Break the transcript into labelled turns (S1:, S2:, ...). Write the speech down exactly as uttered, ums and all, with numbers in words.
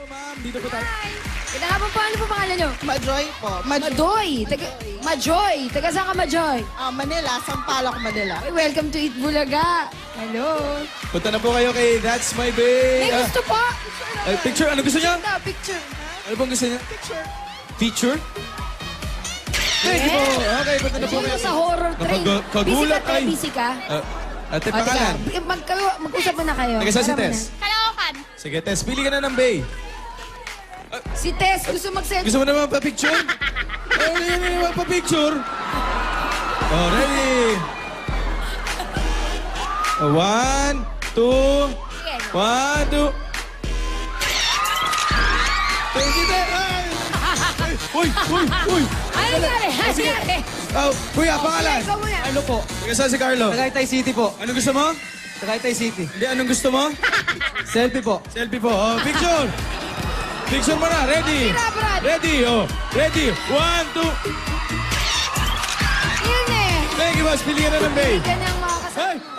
S1: ma'am. Dito po tayo.
S2: Hi! Ganda nga po po, ano po pangalan nyo?
S3: Majoy po. Maj
S2: Majoy! Taga, Majoy! Taga saan ka, Majoy?
S3: ah, Manila, Sampaloc, Manila.
S2: Ay, welcome to Eat Bulaga. Hello.
S1: Punta na po kayo kay That's My Bae.
S2: May
S1: Ah,
S2: gusto po.
S1: ay, picture, ano gusto niya?
S2: Ganda, picture.
S1: Ano bang gusto niya?
S3: Picture.
S1: Feature? Thank you po. Okay, punta na po
S2: Sino
S1: kayo.
S2: sa horror train?
S1: Napag- kagulat,
S2: busy ka,
S1: ay.
S2: te? Busy ka?
S1: Ah, ate,
S2: O, teka,
S1: pangalan?
S2: mag, mag-usap muna kayo.
S1: Taga saan si
S2: Para
S1: Tess?
S2: muna.
S4: Caloocan.
S1: Sige, Tess, pili ka na ng Bae.
S2: Si Tess, gusto mag-send.
S1: Gusto mo naman pa-picture? Ay, ano yun naman pa-picture? Oh, ready? Oh, one, two,
S2: Sige.
S1: one, two. Thank you, Tess. Ay! Ay! Uy, uy, uy!
S2: Ano nangyari? Ano
S1: Sige.
S2: nangyari?
S1: Oh, kuya, pangalan?
S2: Ikaw muna.
S5: Ano po?
S1: Taga saan si Carlo?
S5: Tagaytay City po.
S1: Anong gusto mo?
S5: Tagaytay City.
S1: Hindi, anong gusto mo?
S5: Selfie po.
S1: Selfie po. Oh, picture! Picture mo na. Ready?
S2: Tira, Brad.
S1: Ready, oh. Ready. One, two.
S2: Yun eh.
S1: Thank you, boss. Pili ka na ng Bae.
S2: Ganyan mga kasama.
S1: Hey!